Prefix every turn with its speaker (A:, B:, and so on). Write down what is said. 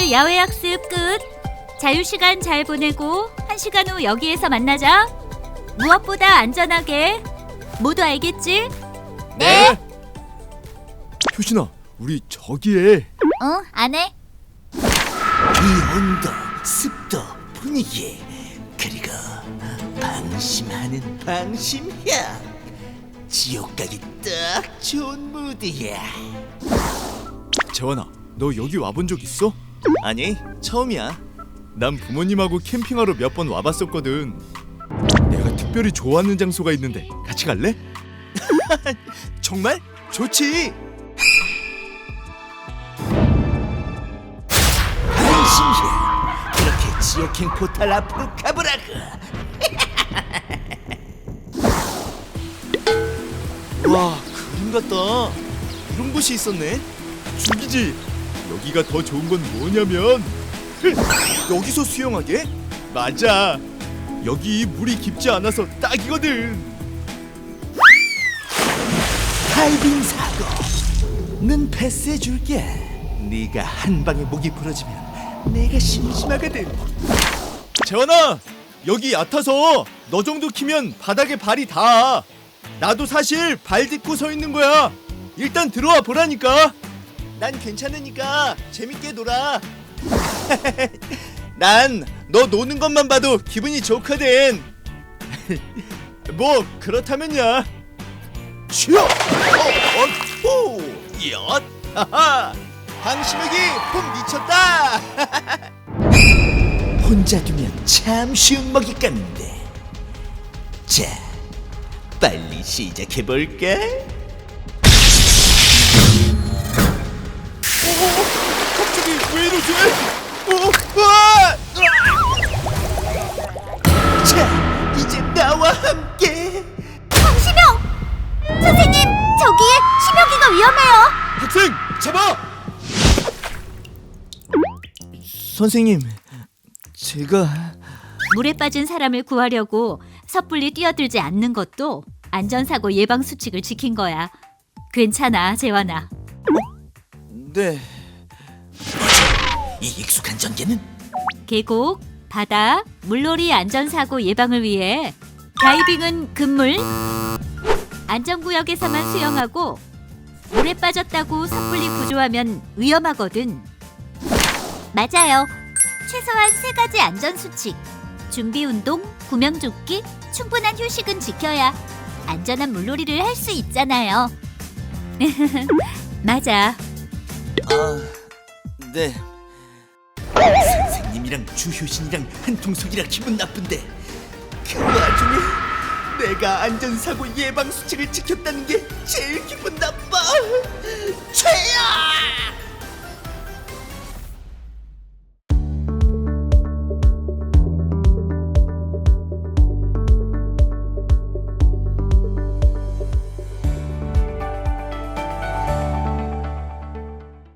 A: 오늘 야외 학습 끝. 자유시간 잘 보내고 1시간 후 여기에서 만나자. 무엇보다 안전하게. 모두 알겠지?
B: 네. 효신아, 우리 저기에.
A: 응, 안 해.
C: 이 온도, 습도, 분위기, 그리고 방심하는 방심향. 지옥 가기 딱 좋은 무드야.
B: 재환아, 너 여기 와본 적 있어?
D: 아니, 처음이야.
B: 난 부모님하고 캠핑하러 몇 번 와봤었거든. 내가 특별히 좋아하는 장소가 있는데 같이 갈래?
D: 정말? 좋지.
C: 방심향. 그렇게 지옥행 포탈 앞으로 가보라고.
D: 와, 그림 같다. 이런 곳이 있었네.
B: 죽이지. 여기가 더 좋은 건 뭐냐면
D: 여기서 수영하게?
B: 맞아. 여기 물이 깊지 않아서 딱이거든.
C: 다이빙 사고. 는 패스해줄게. 네가 한 방에 목이 부러지면 내가 심심하거든.
B: 재환아, 여기 얕아서 너 정도 키면 바닥에 발이 닿아. 나도 사실 발 딛고 서 있는 거야. 일단 들어와 보라니까.
D: 난 괜찮으니까 재밌게 놀아. 난 너 노는 것만 봐도 기분이 좋거든.
B: 뭐 그렇다면야.
D: 쉬어. 오, 엿. 하하. 방심하기 폼 미쳤다.
C: 혼자 두면 참 쉬운 먹잇감인데. 자, 빨리 시작해볼까?
B: 갑자기 왜 이러지?
C: 자, 이제 나와 함께.
A: 방심형! 선생님, 저기에 심혁이가 위험해요.
B: 학생 잡아!
D: 선생님, 제가
A: 물에 빠진 사람을 구하려고 섣불리 뛰어들지 않는 것도 안전사고 예방 수칙을 지킨 거야. 괜찮아, 재환아.
D: 네.
C: 이 익숙한 전개는
A: 계곡, 바다, 물놀이 안전사고 예방을 위해 다이빙은 금물, 안전구역에서만 수영하고 물에 빠졌다고 섣불리 구조하면 위험하거든. 맞아요. 최소한 3가지 안전수칙, 준비운동, 구명조끼, 충분한 휴식은 지켜야 안전한 물놀이를 할 수 있잖아요. 맞아.
D: 네.
C: 선생님이랑 주효신이랑 한통속이라 기분 나쁜데 그 와중에 내가 안전사고 예방 수칙을 지켰다는 게 제일 기분 나빠. 최악!